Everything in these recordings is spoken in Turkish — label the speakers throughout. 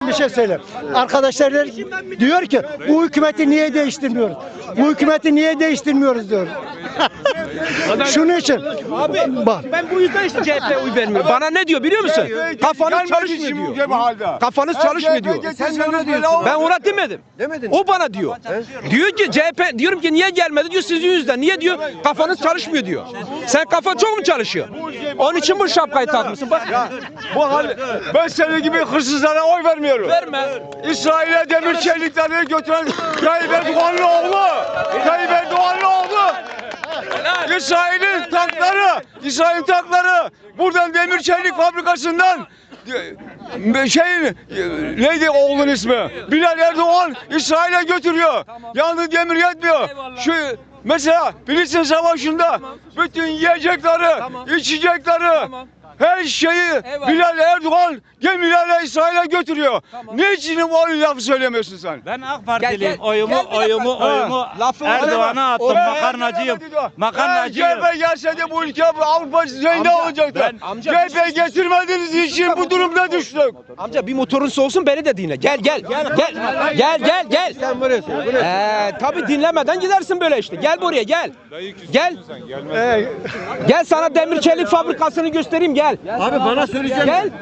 Speaker 1: bir şey söyleyeyim. Arkadaşlar diyor ki bu hükümeti niye değiştirmiyoruz? Bu hükümeti niye değiştirmiyoruz diyor. Şunun için.
Speaker 2: Abi
Speaker 1: bak.
Speaker 2: ben bu yüzden işte CHP'ye oy vermiyorum. Bana ne diyor biliyor musun? Kafanız çalışmıyor diyor. Kafanız çalışmıyor diyor.
Speaker 3: Sen ne diyorsun?
Speaker 2: Ben ona demedim.
Speaker 3: Demedin.
Speaker 2: O bana diyor. Diyor ki CHP, diyorum ki niye gelmedi diyor sizin yüzünden. Niye diyor? Kafanız çalışmıyor diyor. Sen kafan çok mu çalışıyor? Onun için bu şapkayı takmışsın. Bak.
Speaker 4: Bu hal, ben senin gibi hırsızlara oy vermiyorum.
Speaker 2: Verme.
Speaker 4: İsrail'e demir çelikleri götüren Tayyip Erdoğan'ın oğlu. Tayyip Erdoğan'ın oğlu. İsrail'in tankları buradan demir çelik fabrikasından neydi oğlun ismi? Bilal Erdoğan İsrail'e götürüyor. Yalnız demir yetmiyor. Şu mesela Filistin Savaşı'nda bütün yiyecekleri, içecekleri, her şeyi Bilal Erdoğan gemilerle İsrail'e götürüyor. Niçin bu lafı söylemiyorsun sen?
Speaker 5: Ben AK Partiliyim. Oyumu Erdoğan'a attım. Makarnacıyım. Makarnacıyım.
Speaker 4: CHP gelse de bu ülke Avrupa düzeyinde olacaktı. CHP getirmediğiniz için bu durumda düştük.
Speaker 2: Amca bir motorun soğusun beni de dinle. Gel.
Speaker 3: Sen burası.
Speaker 2: Tabii dinlemeden gidersin böyle işte. Gel buraya gel. Gel. Gel sana demir çelik fabrikasını göstereyim gel.
Speaker 3: Abi bana söyleyeceksin.
Speaker 2: Gel.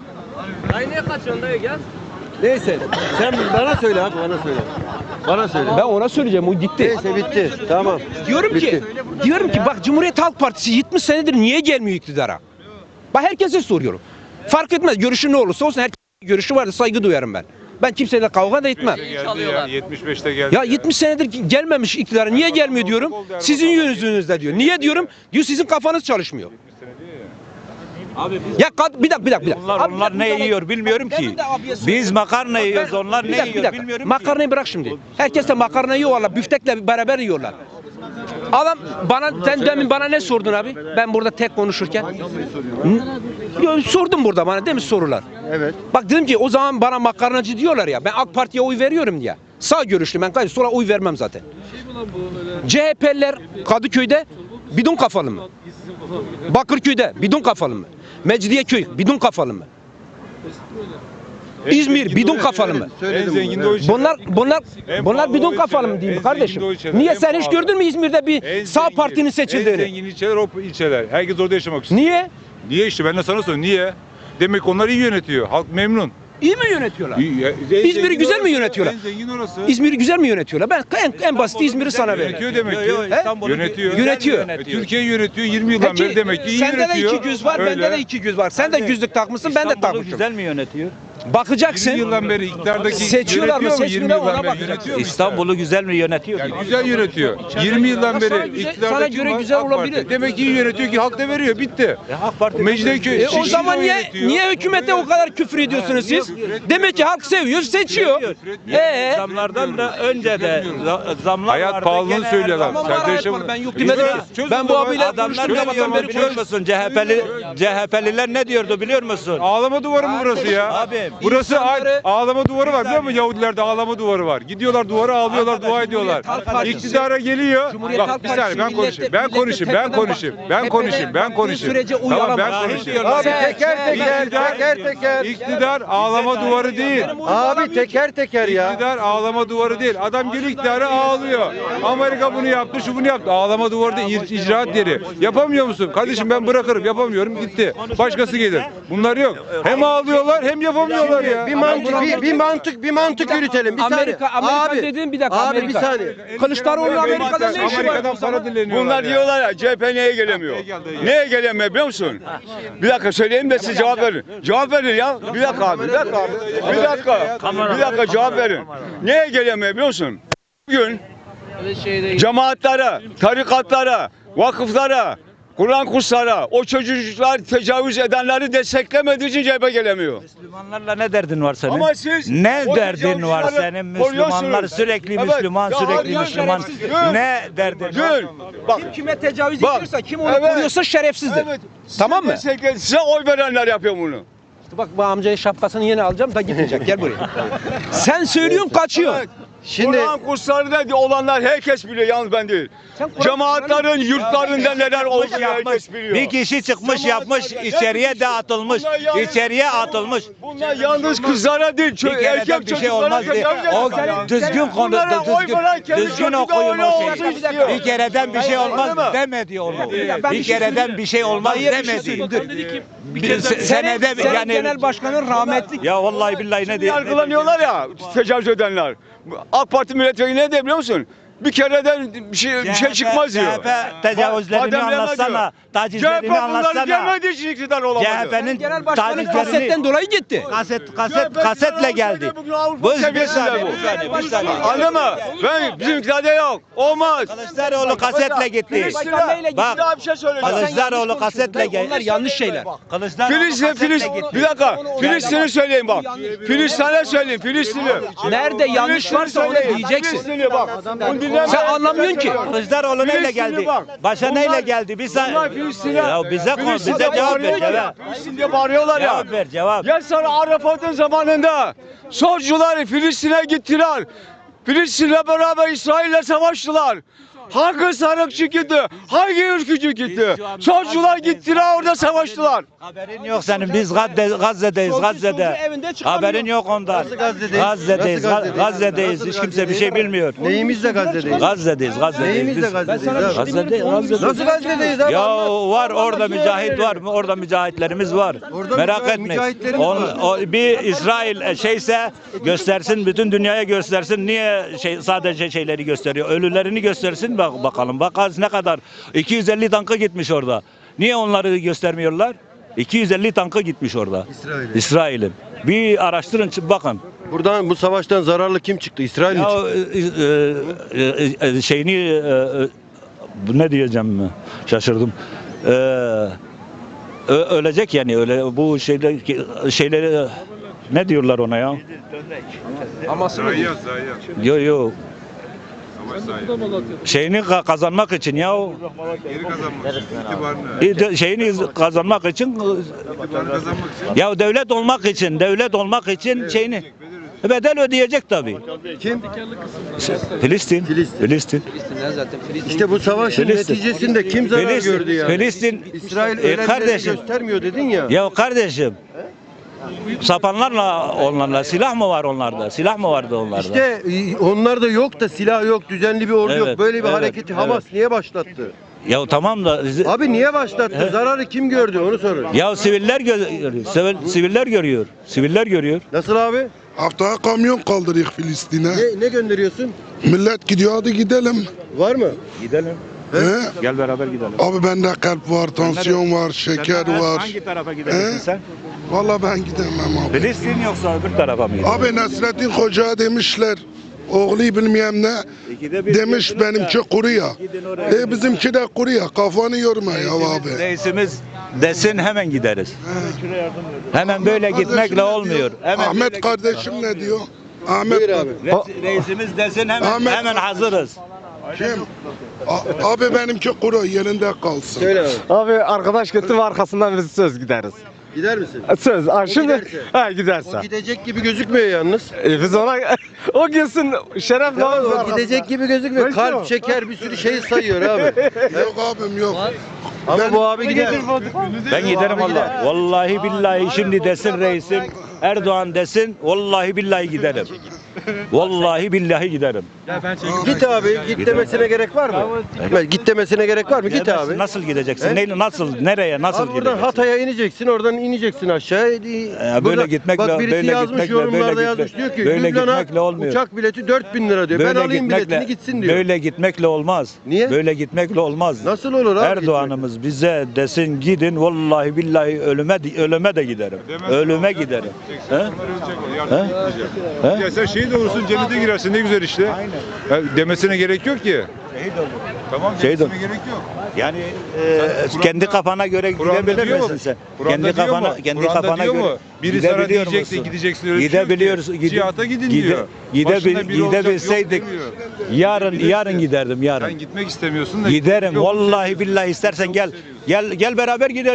Speaker 3: Neyse. Sen bana söyle abi bana söyle. Bana söyle.
Speaker 2: Ben ona söyleyeceğim o gitti.
Speaker 3: Neyse bitti. Tamam.
Speaker 2: Diyorum ki bak Cumhuriyet Halk Partisi 70 senedir niye gelmiyor iktidara? Bak herkese soruyorum. Fark etmez görüşü ne olursa olsun herkesin görüşü vardır saygı duyarım ben. Ben kimseyle kavga da etmem.
Speaker 6: 75'te geldi.
Speaker 2: Ya 70 senedir gelmemiş iktidara niye gelmiyor diyorum. Sizin yüzünüzde diyor. Niye diyorum? Diyor sizin kafanız çalışmıyor. Ya bir dakika.
Speaker 5: Onlar ne yiyor bilmiyorum ki. Biz makarna yiyoruz. Onlar
Speaker 2: Bir
Speaker 5: ne
Speaker 2: dakika.
Speaker 5: yiyor bilmiyorum ki.
Speaker 2: Makarnayı bırak şimdi. Herkes de makarna yiyorlar. Büftekle beraber yiyorlar. Adam sen demin bana ne sordun abi? Ben burada tek konuşurken. Sordum burada bana değil mi sorular?
Speaker 3: Evet.
Speaker 2: Bak dedim ki o zaman bana makarnacı diyorlar ya. Ben AK Parti'ye oy veriyorum diye. Sağ görüşlü ben sonra oy vermem zaten. CHP'liler Kadıköy'de bidon kafalı mı? Bakırköy'de bidon kafalı mı? Mecidiyeköy bidon kafalı mı? İzmir bidon kafalı mı?
Speaker 6: En zengin de o ilçeler.
Speaker 2: Bunlar bidon kafalı mı diyeyim kardeşim? Niye sen hiç gördün mü İzmir'de bir sağ partinin
Speaker 6: En
Speaker 2: seçildiğini?
Speaker 6: zengin ilçeler o ilçeler. Herkes orada yaşamak istiyor.
Speaker 2: Niye?
Speaker 6: Niye işte ben de sana soruyorum. Niye? Demek onlar iyi yönetiyor. Halk memnun.
Speaker 2: İyi mi yönetiyorlar?
Speaker 6: En
Speaker 2: İzmir'i
Speaker 6: zengin
Speaker 2: güzel mi
Speaker 6: orası.
Speaker 2: yönetiyorlar?
Speaker 6: En zengin orası.
Speaker 2: İzmir'i güzel mi yönetiyorlar? Ben en basit İzmir'i sana veririm.
Speaker 6: Yönetiyor demek ki. Yönetiyor.
Speaker 2: Yönetiyor.
Speaker 6: Türkiye'yi yönetiyor 20 yıldan beri demek ki iyi
Speaker 2: sende
Speaker 6: yönetiyor.
Speaker 2: de iki güz var, bende de iki güz var. Sen de güzlük takmışsın, ben de
Speaker 5: İstanbul'u
Speaker 2: takmışım.
Speaker 5: güzel mi yönetiyor?
Speaker 2: 'Bakacaksın.
Speaker 6: 20 yıldan beri iktidardaki
Speaker 2: Seçiyorlar mı,
Speaker 6: yönetiyor mu? 20
Speaker 2: seçmiyorlar,
Speaker 6: yıldan
Speaker 2: ona
Speaker 6: beri
Speaker 2: bakacaksın.
Speaker 6: yönetiyor mu?
Speaker 5: İstanbul'u güzel mi yönetiyor?
Speaker 6: Yani güzel yönetiyor. 20 yıldan
Speaker 2: Sana
Speaker 6: beri
Speaker 2: güzel-
Speaker 6: iktidardaki
Speaker 2: sana göre
Speaker 6: var,
Speaker 2: güzel
Speaker 6: AK Parti.
Speaker 2: olabilir.
Speaker 6: Demek ki iyi yönetiyor ki halk da veriyor. Bitti.
Speaker 5: AK Parti
Speaker 6: Mecidiyeköy.
Speaker 2: O zaman niye hükümete o kadar küfür ediyorsunuz siz? Demek ki halk seviyor, seçiyor.
Speaker 5: Zamlardan da önce de zamlar
Speaker 6: Hayat
Speaker 5: vardı.
Speaker 6: pahalılığını
Speaker 5: Gene
Speaker 6: söylüyor adam.
Speaker 2: Tamam,
Speaker 6: Sen
Speaker 2: var,
Speaker 6: de
Speaker 2: hayat
Speaker 6: yaşamadın.
Speaker 2: var. Ben yok demedim ki. Ben bu abiyle
Speaker 5: Adamlar
Speaker 2: konuştum
Speaker 5: ne
Speaker 2: sabahtan
Speaker 5: diyor
Speaker 2: beri
Speaker 5: biliyor musun? CHP'liler ne diyordu biliyor musun?
Speaker 6: Ağlama duvarı mı burası ya?
Speaker 5: Abi,
Speaker 6: Burası
Speaker 2: insanları-
Speaker 6: ağlama duvarı var biliyor musun? Yahudilerde ağlama duvarı var. Gidiyorlar duvara ağlıyorlar, dua ediyorlar.
Speaker 2: Halk Partisi-
Speaker 6: İktidara geliyor.
Speaker 2: Cumhuriyet
Speaker 6: Bak
Speaker 2: Halk
Speaker 6: bir saniye
Speaker 2: Partisi
Speaker 6: ben konuşayım.
Speaker 2: millete-
Speaker 6: Ben
Speaker 2: millete
Speaker 6: konuşayım. Ben
Speaker 2: tepeden
Speaker 6: konuşayım.
Speaker 2: bak-
Speaker 6: Ben konuşayım. Ben
Speaker 2: tepeden
Speaker 6: konuşayım.
Speaker 2: sürece
Speaker 6: Tamam ben
Speaker 2: uyalamaz.
Speaker 6: konuşayım.
Speaker 3: Abi teker.
Speaker 6: İktidar ağlama duvarı değil.
Speaker 3: Abi teker ya.
Speaker 6: İktidar ağlama duvarı değil. Adam geliyor iktidara ağlıyor. Amerika bunu yaptı, şu bunu yaptı. Ağlama duvarı değil, icraat yeri. Yapamıyor musun? Kardeşim ben bırakırım, yapamıyorum, gitti. Başkası gelir. Bunlar yok. Hem ağlıyorlar hem yapamıyorlar ya.
Speaker 3: Bir mantık yürütelim. Bir
Speaker 2: Amerika
Speaker 3: saniye.
Speaker 2: dediğim bir dakika
Speaker 3: Abi
Speaker 2: Amerika.
Speaker 3: bir saniye.
Speaker 2: Kılıçdaroğlu Amerika'da ne işi var?
Speaker 6: Amerika'dan para dileniyorlar
Speaker 4: Bunlar
Speaker 6: ya.
Speaker 4: diyorlar ya CHP neye gelemiyor? Neye gelemiyor biliyor musun? Bir dakika söyleyeyim de siz cevap verin. Cevap verin ya. Bir dakika abi. Bir dakika cevap verin. Neye gelemiyor biliyor musun? Bugün cemaatlere, tarikatlara, vakıflara, Kur'an kurslara, o çocuklar tecavüz edenleri desteklemediği için CHP gelemiyor.
Speaker 5: Müslümanlarla ne derdin var senin?
Speaker 4: Ama siz
Speaker 5: ne
Speaker 4: o
Speaker 5: derdin var
Speaker 4: tecavüzleri
Speaker 5: senin? Müslümanlar
Speaker 4: koruyorsunuz.
Speaker 5: sürekli
Speaker 4: Evet.
Speaker 5: Müslüman,
Speaker 4: Ya
Speaker 5: sürekli
Speaker 4: hayır,
Speaker 5: Müslüman.
Speaker 4: şerefsiz.
Speaker 5: Ne derdin var?
Speaker 4: Gül. Bak.
Speaker 2: Kim kime tecavüz
Speaker 4: Bak,
Speaker 2: ediyorsa, kim onu
Speaker 4: evet.
Speaker 2: koruyorsa şerefsizdir.
Speaker 4: Evet.
Speaker 2: Tamam mı?
Speaker 4: Size oy verenler yapıyor bunu.
Speaker 2: İşte bak bu amcaya şapkasını yeni alacağım da gitmeyecek. Gel buraya. Sen söylüyorsun kaçıyor.
Speaker 4: Evet.
Speaker 3: Şimdi
Speaker 4: Kur'an kurslarında olanlar herkes biliyor, yalnız ben değil. Cemaatlerin yurtlarında neler olduğunu herkes biliyor.
Speaker 5: Bir kişi çıkmış yapmış içeriye de atılmış. İçeriye atılmış.
Speaker 4: Bunlar yalnız kızlara değil,
Speaker 5: Bir kereden
Speaker 4: erkek
Speaker 5: bir şey
Speaker 4: çocuklara
Speaker 5: olmaz diye. O düzgün konu,
Speaker 4: Bunlara oy veren kendi
Speaker 5: düzgün
Speaker 4: çocuğu da
Speaker 5: okuyun
Speaker 4: öyle
Speaker 5: o
Speaker 4: olsun
Speaker 5: şeyi.
Speaker 4: istiyor.
Speaker 5: Bir kereden bir şey olmaz
Speaker 4: Anladın mı?
Speaker 5: demedi onu.
Speaker 2: Ben
Speaker 5: Bir
Speaker 2: bir şey
Speaker 5: kereden bir şey olmaz demedi. Senede
Speaker 2: Senin genel
Speaker 5: yani
Speaker 2: başkanın rahmetli.
Speaker 5: ya vallahi billahi ne diyor?
Speaker 4: Yargılanıyorlar ya, tecavüz edenler. AK Parti milletvekili ne diyor biliyor musun? Bir kereden bir şey çıkmaz diyor.
Speaker 5: CHP tecavüzlerini
Speaker 4: Bademleme
Speaker 5: anlatsana.
Speaker 4: diyor. CHP
Speaker 5: Tacizlerini
Speaker 4: bunları
Speaker 5: anlatsana.
Speaker 4: gelmediği için iktidar olamadı.
Speaker 5: CHP'nin
Speaker 2: Genel başkanın
Speaker 5: tacizlerini
Speaker 2: kasetten dolayı gitti.
Speaker 5: kasetle geldi.
Speaker 4: Bugün Avrupa
Speaker 5: Bu bir
Speaker 4: seviyesinde
Speaker 5: saniye,
Speaker 4: bu.
Speaker 5: bir saniye.
Speaker 4: Anladın mı? Ben bizimkilerde yok. Olmaz.
Speaker 5: Kılıçdaroğlu kasetle gitti. Bak,
Speaker 4: Daha bir şey söyleyeceğim.
Speaker 5: Kılıçdaroğlu kasetle geldi.
Speaker 2: Onlar yanlış şeyler.
Speaker 5: Kılıçdaroğlu
Speaker 4: Filistin,
Speaker 5: kasetle gitti.
Speaker 4: bir dakika. Filistin'i söyleyeyim bak. Filistin'e söyleyeyim, Filistin'i.
Speaker 2: Nerede yanlış varsa onu diyeceksin.
Speaker 4: Filistin'i bak. Bunu dinleme.
Speaker 2: Sen anlamıyorsun ki.
Speaker 5: Kılıçdaroğlu neyle
Speaker 4: Filistin'i
Speaker 5: geldi?
Speaker 4: bak.
Speaker 5: Başa neyle geldi?
Speaker 4: Bunlar Filistin'e.
Speaker 5: Ya bize cevap ver cevap.
Speaker 4: Filistin diye bağırıyorlar ya.
Speaker 5: Cevap ver cevap.
Speaker 4: Ya sana Arafat'ın zamanında solcular Filistin'e gittiler. Filistin'le beraber İsrail'le savaştılar. Hangi sarıkçı gitti? Hangi ülkücü gitti? Solcular gittiler orada savaştılar.
Speaker 5: Haberin yok senin. Biz Gazze'deyiz. Gazze'de.
Speaker 2: evinde çıkamıyor.
Speaker 5: Haberin yok ondan.
Speaker 3: Nasıl Gazze'deyiz?
Speaker 5: Gazze'deyiz.
Speaker 3: Nasıl Gazze'deyiz?
Speaker 5: Gazze'deyiz.
Speaker 3: Nasıl
Speaker 5: Hiç kimse bir
Speaker 3: Gazze'deyiz?
Speaker 5: şey bilmiyor.
Speaker 3: neyimizle Gazze'deyiz?
Speaker 5: Gazze'deyiz.
Speaker 3: Neyimizle
Speaker 5: Biz-
Speaker 3: Gazze'deyiz abi?
Speaker 5: Gazze'deyiz.
Speaker 3: Nasıl Gazze'deyiz abi?
Speaker 5: Ya var orada mücahit var mı? Orada mücahitlerimiz var.
Speaker 3: Orada
Speaker 5: Merak etmeyin.
Speaker 3: mücahitlerimiz var.
Speaker 5: Bir İsrail şeyse göstersin, bütün dünyaya göstersin. Niye sadece şeyleri gösteriyor? Ölülerini göstersin bakalım. Bakarız ne kadar. 250 tankı gitmiş orada. Niye onları göstermiyorlar? 250 tankı gitmiş orada. İsrail'in. Bir araştırın bakın.
Speaker 3: Buradan bu savaştan zararlı kim çıktı? İsrail mi çıktı?
Speaker 5: Şeyini ne diyeceğim şaşırdım. Ölecek yani öyle bu şeyleri ne diyorlar ona ya? Yok yok. Şeyini kazanmak için ya. Şeyini kazanmak için ya devlet olmak için şeyini bedel ödeyecek tabii.
Speaker 3: Kim?
Speaker 5: Filistin.
Speaker 3: İşte bu savaşın
Speaker 5: Filistin.
Speaker 3: neticesinde kim zarar gördü yani?
Speaker 5: Filistin.
Speaker 3: İsrail ölenleri
Speaker 5: Kardeşim.
Speaker 3: göstermiyor dedin ya.
Speaker 5: Ya kardeşim. Sapanlarla onlarla silah mı var onlarda? Silah mı vardı onlarda?
Speaker 3: İşte onlar da yok da silah yok, düzenli bir ordu
Speaker 5: Evet,
Speaker 3: yok. Böyle bir
Speaker 5: evet,
Speaker 3: hareketi Hamas niye başlattı?
Speaker 5: Ya tamam da
Speaker 3: Abi niye başlattı? Zararı kim gördü onu sorun.
Speaker 5: ya siviller siviller görüyor. Siviller görüyor.
Speaker 3: Nasıl abi?
Speaker 7: Haftaya kamyon kaldırıyor Filistin'e.
Speaker 3: Ne gönderiyorsun?
Speaker 7: Millet gidiyor hadi gidelim.
Speaker 3: Var mı?
Speaker 5: Gidelim.
Speaker 7: He?
Speaker 5: Gel beraber gidelim.
Speaker 7: Abi bende kalp var, tansiyon var, şeker var.
Speaker 5: Hangi tarafa gidersin
Speaker 7: He?
Speaker 5: sen?
Speaker 7: Vallahi ben gidemem abi.
Speaker 5: Filistin yoksa öbür tarafa mı gidersin?
Speaker 7: Abi Nasrettin Hoca'ya demişler. Oğlu bilmem ne.
Speaker 5: İkide bir
Speaker 7: Demiş
Speaker 5: diyorsunuz
Speaker 7: benimki
Speaker 5: da,
Speaker 7: kuru ya.
Speaker 5: gidin oraya.
Speaker 7: Bizimki de kuru ya. Kafanı yorma ya abi.
Speaker 5: Reisimiz desin hemen gideriz. Hemen böyle
Speaker 7: Kardeşim
Speaker 5: gitmekle
Speaker 7: ne
Speaker 5: olmuyor.
Speaker 7: diyor?
Speaker 5: Hemen böyle
Speaker 7: Ahmet kardeşim ne diyor? Ahmet
Speaker 3: Buyur abi.
Speaker 5: Reisimiz desin hemen
Speaker 7: Ahmet-
Speaker 5: hazırız.
Speaker 7: kim? Abi benimki kuru yerinde kalsın.
Speaker 3: Söyle abi.
Speaker 8: Abi arkadaş kötü mü arkasından biz söz gideriz.
Speaker 3: Gider misin?
Speaker 8: Söz. Ha, şimdi
Speaker 3: giderse.
Speaker 8: ha giderse.
Speaker 3: O gidecek gibi gözükmüyor yalnız.
Speaker 8: Biz ona o gitsin şeref
Speaker 3: Ya
Speaker 8: namazı
Speaker 3: o
Speaker 8: arkasında.
Speaker 3: gidecek gibi gözükmüyor.
Speaker 8: Belki o.
Speaker 3: Kalp, şeker bir sürü şey sayıyor abi.
Speaker 7: Yok abim yok.
Speaker 3: Ama bu abi gider.
Speaker 5: Ben giderim valla. Vallahi billahi şimdi desin reisim Erdoğan desin vallahi billahi giderim. Vallahi billahi giderim.
Speaker 3: Git abi. Git demesine gerek var mı? Git demesine gerek var mı? Git
Speaker 5: Gidemezsin.
Speaker 3: abi.
Speaker 5: Nasıl gideceksin?
Speaker 3: He?
Speaker 5: Nasıl nereye nasıl
Speaker 3: Abi buradan
Speaker 5: gideceksin?
Speaker 3: Hatay'a ineceksin, oradan ineceksin aşağı.
Speaker 5: Böyle
Speaker 3: Burada-
Speaker 5: gitmekle-
Speaker 3: bak birisi
Speaker 5: böyle
Speaker 3: yazmış
Speaker 5: gitmekle-
Speaker 3: yorumlarda
Speaker 5: böyle
Speaker 3: yazmış
Speaker 5: gitmek-
Speaker 3: diyor ki
Speaker 5: böyle
Speaker 3: Lübnan'a
Speaker 5: gitmekle olmuyor.
Speaker 3: uçak bileti 4000 lira diyor. Ben alayım biletini gitsin diyor.
Speaker 5: Böyle gitmekle olmaz.
Speaker 3: Niye?
Speaker 5: Böyle gitmekle olmaz.
Speaker 3: Nasıl olur abi?
Speaker 5: Erdoğan'ımız bize desin gidin vallahi billahi ölüme de giderim. Ölüme giderim. He? He?
Speaker 6: Ya sen şehit olursun cennete girersin ne güzel işte. Ya demesine gerek yok ki. Tamam
Speaker 5: Şehit
Speaker 6: demesine gerek yok.
Speaker 5: Yani kendi kafana göre
Speaker 6: Kur'an'da
Speaker 5: gidebilir
Speaker 6: diyor mu?
Speaker 5: misin sen?
Speaker 6: Kur'an'da
Speaker 5: Kendi
Speaker 6: diyor
Speaker 5: kafana
Speaker 6: mu?
Speaker 5: kendi
Speaker 6: Kur'an'da
Speaker 5: kafana
Speaker 6: diyor
Speaker 5: göre
Speaker 6: mu? Biri sana
Speaker 5: gidebiliyor
Speaker 6: diyecekse
Speaker 5: musun?
Speaker 6: gideceksin öyle bir şey yok ki.
Speaker 5: Gidebiliyoruz.
Speaker 6: Cihata gidin diyor. Başında biri olacak, yok
Speaker 5: Gidebilseydik
Speaker 6: demiyor.
Speaker 5: yarın giderdim yarın.
Speaker 6: Sen gitmek istemiyorsun da.
Speaker 5: Giderim
Speaker 6: yok.
Speaker 5: vallahi billahi istersen gel beraber gidelim.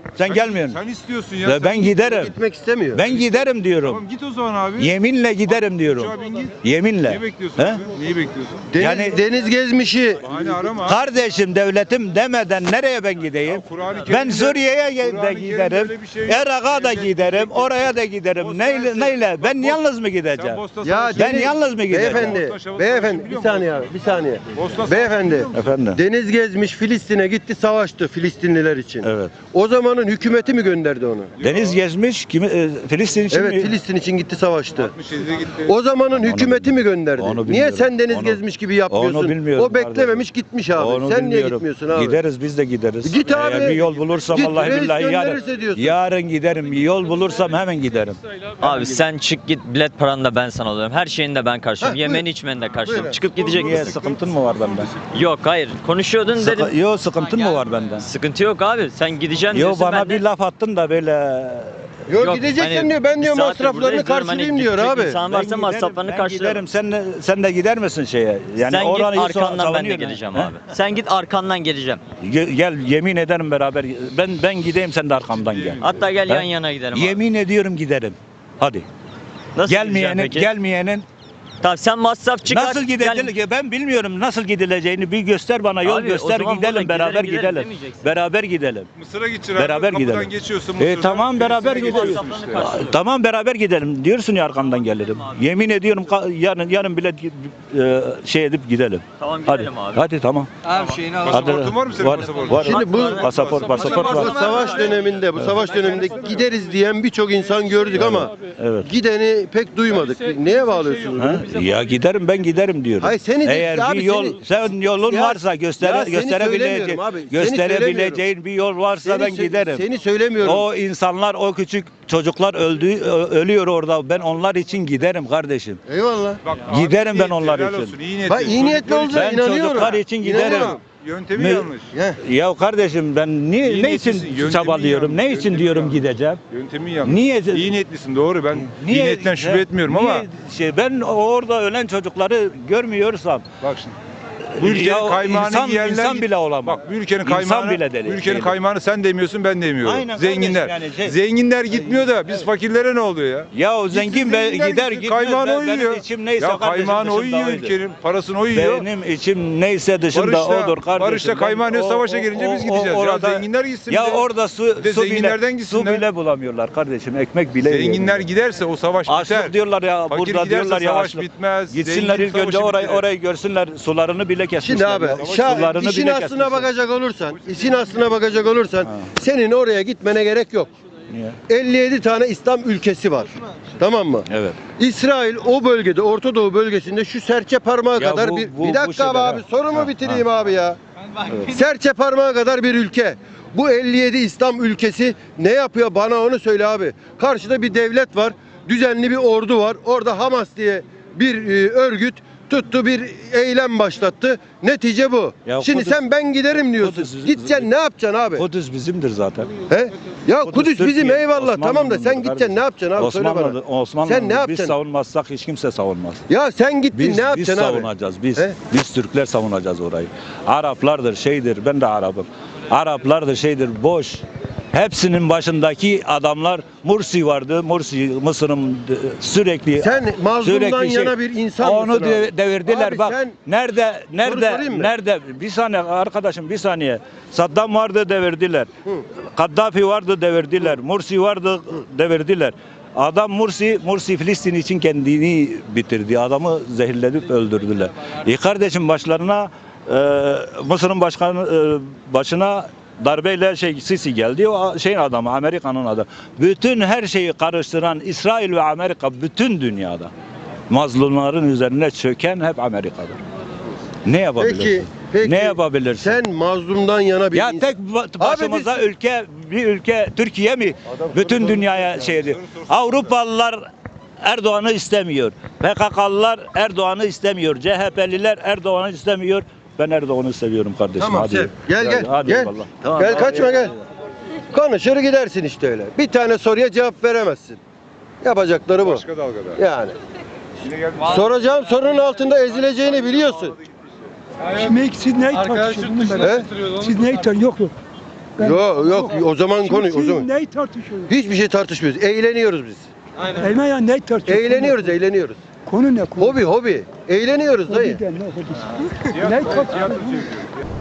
Speaker 5: Sen gelmiyorsun.
Speaker 6: Sen istiyorsun ya.
Speaker 5: Ve ben giderim.
Speaker 3: Gitmek istemiyor.
Speaker 5: Ben giderim diyorum.
Speaker 6: Tamam git o zaman abi.
Speaker 5: Yeminle giderim diyorum.
Speaker 6: Uçağa bin git.
Speaker 5: Yeminle.
Speaker 6: Neyi bekliyorsun
Speaker 5: He?
Speaker 6: abi? Neyi bekliyorsun?
Speaker 5: Yani-
Speaker 3: Deniz gezmişi
Speaker 6: Bahane arama.
Speaker 5: Kardeşim devletim demeden nereye ben gideyim?
Speaker 6: Ya Kur'an-ı
Speaker 5: Ben
Speaker 6: Kerim'de-
Speaker 5: Suriye'ye de
Speaker 6: Kur'an-ı Kerim'de
Speaker 5: giderim.
Speaker 6: öyle bir şey yok.
Speaker 5: Irak'a da
Speaker 6: Devlet
Speaker 5: giderim.
Speaker 6: gidecek.
Speaker 5: Oraya da giderim.
Speaker 6: O
Speaker 5: Neyle?
Speaker 6: sensin.
Speaker 5: Neyle? Ben
Speaker 6: Bak,
Speaker 5: yalnız mı
Speaker 6: Sen
Speaker 5: gideceğim?
Speaker 6: Bosna
Speaker 3: ya
Speaker 6: Savaşı-
Speaker 5: Ben yalnız mı gideceğim?
Speaker 3: beyefendi,
Speaker 6: Bosna
Speaker 3: beyefendi
Speaker 6: Savaşı
Speaker 3: bir
Speaker 6: biliyor
Speaker 3: saniye abi, bir saniye.
Speaker 6: Bosna Savaşı
Speaker 3: Beyefendi,
Speaker 6: biliyor musun?
Speaker 5: Efendim.
Speaker 3: Deniz gezmiş Filistin'e gitti savaştı Filistinliler için.
Speaker 5: Evet.
Speaker 3: O zamanın hükümeti mi gönderdi onu?
Speaker 5: Deniz gezmiş kimi Filistin için
Speaker 3: Evet
Speaker 5: mi?
Speaker 3: Filistin için gitti savaştı.
Speaker 6: 67'de gitti.
Speaker 3: O zamanın hükümeti mi gönderdi?
Speaker 5: onu
Speaker 3: Niye
Speaker 5: bilmiyorum.
Speaker 3: sen deniz
Speaker 5: Onu-
Speaker 3: gezmiş gibi yapıyorsun?
Speaker 5: onu bilmiyorum
Speaker 3: O beklememiş gitmiş abi.
Speaker 5: Onu
Speaker 3: sen niye
Speaker 5: bilmiyorum.
Speaker 3: gitmiyorsun abi?
Speaker 5: Gideriz biz de gideriz.
Speaker 3: Git abi.
Speaker 5: Eğer bir yol bulursam
Speaker 3: Git,
Speaker 5: vallahi
Speaker 3: reis
Speaker 5: billahi
Speaker 3: gönderirse diyorsun.
Speaker 5: yarın giderim. Bir yol bulursam hemen giderim.
Speaker 9: Abi sen çık git, bilet paranı da ben sana alıyorum. Her şeyini de ben karşılıyorum.
Speaker 3: Heh,
Speaker 9: Yemeni
Speaker 3: buyur.
Speaker 9: içmeni de karşılıyorum.
Speaker 3: Buyurun.
Speaker 9: Çıkıp gidecek
Speaker 5: Niye
Speaker 9: misin?
Speaker 5: sıkıntın mı var benden?
Speaker 9: Yok hayır. Konuşuyordun dedim.
Speaker 5: Yok sıkıntın mı var benden?
Speaker 9: Sıkıntı yok abi. Sen gideceksin
Speaker 5: Yo
Speaker 9: diyorsun.
Speaker 5: bana
Speaker 9: ben de-
Speaker 5: bir laf attın da böyle
Speaker 3: Yok,
Speaker 9: Yok,
Speaker 3: gideceksin
Speaker 9: hani
Speaker 3: diyor. Ben diyor
Speaker 9: bir saattir
Speaker 3: masraflarını
Speaker 9: buradayız diyorum,
Speaker 3: karşılayayım
Speaker 9: hani
Speaker 3: diyor
Speaker 9: gidecek
Speaker 3: abi.
Speaker 9: insan varsa masraflarını
Speaker 5: ben
Speaker 9: karşılarım.
Speaker 5: giderim. Sen de gider misin şeye? Yani
Speaker 9: Sen git
Speaker 5: oranı
Speaker 9: arkandan ben de
Speaker 5: savunuyorsun.
Speaker 9: geleceğim
Speaker 5: He?
Speaker 9: abi. Sen git arkandan geleceğim.
Speaker 5: Gel yemin ederim beraber. Ben gideyim sen de arkamdan gel.
Speaker 9: Hatta gel
Speaker 5: He?
Speaker 9: yan yana gidelim abi.
Speaker 5: Yemin ediyorum giderim. Hadi.
Speaker 9: Nasıl gideceksin
Speaker 5: Gelmeyenin
Speaker 9: peki?
Speaker 5: gelmeyenin
Speaker 9: Tamam sen masraf çıkar.
Speaker 5: nasıl gidilecek? Ben bilmiyorum nasıl gidileceğini. Bir göster bana yol
Speaker 9: Abi, o
Speaker 5: göster
Speaker 9: zaman
Speaker 5: gidelim
Speaker 9: buradan
Speaker 5: beraber
Speaker 9: gidelim
Speaker 5: gidelim.
Speaker 9: demeyeceksin.
Speaker 5: Beraber gidelim.
Speaker 6: Mısır'a gideceksin abi.
Speaker 5: Beraber
Speaker 6: Kapıdan
Speaker 5: gidelim.
Speaker 6: geçiyorsun Mısır'dan.
Speaker 5: Tamam beraber
Speaker 6: Filistin'e
Speaker 5: gidelim.
Speaker 6: geçiyorsun işte.
Speaker 5: Tamam beraber gidelim. Diyorsun ya arkamdan gelirim. Yemin ediyorum yarın bile şey edip gidelim.
Speaker 9: Tamam
Speaker 5: Hadi.
Speaker 9: gidelim abi.
Speaker 5: Hadi tamam.
Speaker 6: Pasaportun var mı senin pasaportun?
Speaker 5: Var.
Speaker 3: Şimdi bu
Speaker 5: Pasaport
Speaker 3: bu
Speaker 5: var.
Speaker 3: savaş döneminde, bu savaş döneminde gideriz diyen birçok insan gördük ama
Speaker 5: Evet.
Speaker 3: gideni pek duymadık. Neye bağlıyorsunuz?
Speaker 5: Ha? Ya giderim ben giderim diyorum.
Speaker 3: Hayır, seni de-
Speaker 5: Eğer
Speaker 3: abi
Speaker 5: bir yol
Speaker 3: seni-
Speaker 5: sen yolun
Speaker 3: Ya-
Speaker 5: varsa
Speaker 3: ya seni
Speaker 5: gösterebileceğin
Speaker 3: söylemiyorum abi, seni
Speaker 5: gösterebileceğin bir yol varsa ben giderim.
Speaker 3: Seni söylemiyorum.
Speaker 5: O insanlar o küçük çocuklar ölüyor orada. Ben onlar için giderim kardeşim.
Speaker 3: Eyvallah.
Speaker 6: Bak,
Speaker 5: Giderim
Speaker 6: abi,
Speaker 5: ben onlar
Speaker 6: helal
Speaker 5: için.
Speaker 6: olsun, iyi niyetli.
Speaker 3: Bak iyi niyetli
Speaker 6: Çocuklar
Speaker 3: olacağına
Speaker 5: Ben
Speaker 3: inanıyorum.
Speaker 5: çocuklar için giderim.
Speaker 3: İnanıyorum.
Speaker 6: Yöntemi
Speaker 5: Me-
Speaker 6: yanlış.
Speaker 3: Heh.
Speaker 5: Ya kardeşim ben
Speaker 6: İyi
Speaker 5: ne için
Speaker 6: niyetlisin,
Speaker 5: çabalıyorum?
Speaker 6: yöntemi
Speaker 5: Ne için
Speaker 6: yanlış,
Speaker 5: diyorum
Speaker 6: yöntemi
Speaker 5: gideceğim?
Speaker 6: Yöntemi yanlış.
Speaker 5: Niye?
Speaker 6: İyi niyetlisin doğru. Ben iyi niyetten şüphe etmiyorum
Speaker 5: niye
Speaker 6: ama
Speaker 5: ben orada ölen çocukları görmüyorsam
Speaker 6: bak şimdi. Bu ülkenin
Speaker 5: ya
Speaker 6: kaymağını
Speaker 5: insan-
Speaker 6: yiyenler
Speaker 5: insan bile olamaz.
Speaker 6: Bak bu ülkenin
Speaker 5: İnsan
Speaker 6: kaymağını
Speaker 5: bile değil.
Speaker 6: bu ülkenin
Speaker 5: Değil.
Speaker 6: kaymağını sen demiyorsun ben demiyorum.
Speaker 5: Aynen
Speaker 6: Zenginler.
Speaker 5: kardeşim, yani
Speaker 6: Zenginler gitmiyor da biz fakirlere ne oluyor ya?
Speaker 5: ya o zengin be,
Speaker 6: Zenginler
Speaker 5: gider
Speaker 6: gitsin,
Speaker 5: gitmez
Speaker 6: kaymağını o
Speaker 5: benim
Speaker 6: yiyor.
Speaker 5: içim neyse
Speaker 6: Ya
Speaker 5: kardeşim
Speaker 6: kaymağını o
Speaker 5: dışında
Speaker 6: yiyor
Speaker 5: oydu.
Speaker 6: ülkenin. Parasını o yiyor.
Speaker 5: Benim içim neyse dışında
Speaker 6: Barış'ta-
Speaker 5: odur kardeşim.
Speaker 6: Barış'ta
Speaker 5: Ben
Speaker 6: kaymağı ne,
Speaker 5: o-
Speaker 6: savaşa
Speaker 5: o-
Speaker 6: gelince biz
Speaker 5: o-
Speaker 6: gideceğiz. Ya
Speaker 5: orada-
Speaker 6: zenginler gitsin
Speaker 5: Ya
Speaker 6: bir de.
Speaker 5: orada su
Speaker 6: Bir de
Speaker 5: su
Speaker 6: zenginlerden
Speaker 5: bile,
Speaker 6: gitsinler.
Speaker 5: su bile bulamıyorlar kardeşim. Ekmek bile
Speaker 6: Zenginler
Speaker 5: yiyemiyorlar.
Speaker 6: giderse o savaş biter.
Speaker 5: Açlık diyorlar ya
Speaker 6: Fakir
Speaker 5: burada
Speaker 6: giderse
Speaker 5: diyorlar ya
Speaker 6: savaş
Speaker 5: açlık.
Speaker 6: bitmez.
Speaker 5: Gitsinler
Speaker 6: zengin
Speaker 5: ilk önce
Speaker 6: savaşı bitirir.
Speaker 5: orayı görsünler sularını bile kesmişler.
Speaker 3: Şimdi abi
Speaker 5: ya. Sularını
Speaker 3: işin
Speaker 5: bile
Speaker 3: aslına
Speaker 5: kesmişler.
Speaker 3: bakacak olursan, işin aslına bakacak olursan senin oraya gitmene gerek yok.
Speaker 5: Niye?
Speaker 3: 57 tane İslam ülkesi var. Tamam mı?
Speaker 5: Evet.
Speaker 3: İsrail o bölgede, Orta Doğu bölgesinde şu serçe parmağı
Speaker 5: Ya
Speaker 3: kadar
Speaker 5: bu-
Speaker 3: bir
Speaker 5: bu-
Speaker 3: bir
Speaker 5: bu
Speaker 3: dakika
Speaker 5: şeyler,
Speaker 3: abi
Speaker 5: ha.
Speaker 3: sorumu
Speaker 5: Ha,
Speaker 3: bitireyim abi ya. Serçe parmağı kadar bir ülke. Bu 57 İslam ülkesi ne yapıyor bana onu söyle abi. Karşıda bir devlet var, düzenli bir ordu var. Orada Hamas diye bir örgüt tuttu bir eylem başlattı. Netice bu.
Speaker 5: Ya
Speaker 3: Şimdi
Speaker 5: Kudüs-
Speaker 3: sen ben giderim diyorsun.
Speaker 5: Kudüs-
Speaker 3: Gideceksin ne yapacaksın abi?
Speaker 5: Kudüs bizimdir zaten.
Speaker 3: He? Ya Kudüs bizim
Speaker 5: Türkiye,
Speaker 3: eyvallah tamam da
Speaker 5: Osmanlı'nındır
Speaker 3: sen gideceksin
Speaker 5: kardeşim.
Speaker 3: ne yapacaksın abi söyle bana.
Speaker 5: Osmanlı
Speaker 3: Sen ne
Speaker 5: biz
Speaker 3: yapacaksın?
Speaker 5: savunmazsak hiç kimse savunmaz.
Speaker 3: Ya sen gittin
Speaker 5: Biz,
Speaker 3: ne
Speaker 5: biz
Speaker 3: yapacaksın abi?
Speaker 5: savunacağız biz.
Speaker 3: He?
Speaker 5: Biz Türkler savunacağız orayı. Araplardır şeydir ben de Arap'ım. Araplardır şeydir boş. Hepsinin başındaki adamlar Mursi vardı. Mursi Mısır'ın sürekli
Speaker 3: Sen mazlumdan
Speaker 5: sürekli
Speaker 3: yana bir insan
Speaker 5: onu
Speaker 3: mısın abi?
Speaker 5: devirdiler
Speaker 3: Abi
Speaker 5: bak.
Speaker 3: sen-
Speaker 5: Nerede
Speaker 3: sorayım mı?
Speaker 5: nerede bir saniye arkadaşım bir saniye. Saddam vardı devirdiler. Kaddafi vardı devirdiler. Mursi vardı devirdiler. Adam Mursi Filistin için kendini bitirdi. Adamı zehirledip öldürdüler. Kardeşim başlarına Mısır'ın başına darbeyle Sisi geldi. O şeyin adamı, Amerika'nın adamı. Bütün her şeyi karıştıran İsrail ve Amerika bütün dünyada. Mazlumların üzerine çöken hep Amerika'dır. Ne yapabilirsin?
Speaker 3: Peki
Speaker 5: Ne yapabilirsin?
Speaker 3: sen mazlumdan yana bir
Speaker 5: Ya
Speaker 3: insan.
Speaker 5: tek başımıza bir ülke Türkiye mi bütün dünyaya şeydi. Avrupalılar Erdoğan'ı istemiyor. PKK'lılar Erdoğan'ı istemiyor. CHP'liler Erdoğan'ı istemiyor. Ben Erdoğan'ı seviyorum kardeşim.
Speaker 3: Tamam
Speaker 5: hadi.
Speaker 3: sev. Gel.
Speaker 5: Hadi
Speaker 3: Gel.
Speaker 5: eyvallah. Tamam,
Speaker 3: Gel
Speaker 5: hadi.
Speaker 3: kaçma gel. Konuşur gidersin işte öyle. Bir tane soruya cevap veremezsin. Yapacakları bu.
Speaker 6: Başka dalgada.
Speaker 3: Yani. Soracağım sorunun altında ezileceğini biliyorsun.
Speaker 1: Siz ne tartışıyorsunuz?
Speaker 3: He?
Speaker 1: Siz ne yok yok.
Speaker 3: Yok yok o zaman konuş o zaman.
Speaker 1: Neyi tartışıyorsunuz?
Speaker 3: Hiçbir şey tartışmıyoruz. Eğleniyoruz biz.
Speaker 1: Elma ya neyi tartışıyorsunuz?
Speaker 3: Eğleniyoruz.
Speaker 1: Konu ne konu?
Speaker 3: Hobi. Eğleniyoruz dayı.
Speaker 1: Hobiden ne hobisi? Neyi tartışıyorsunuz?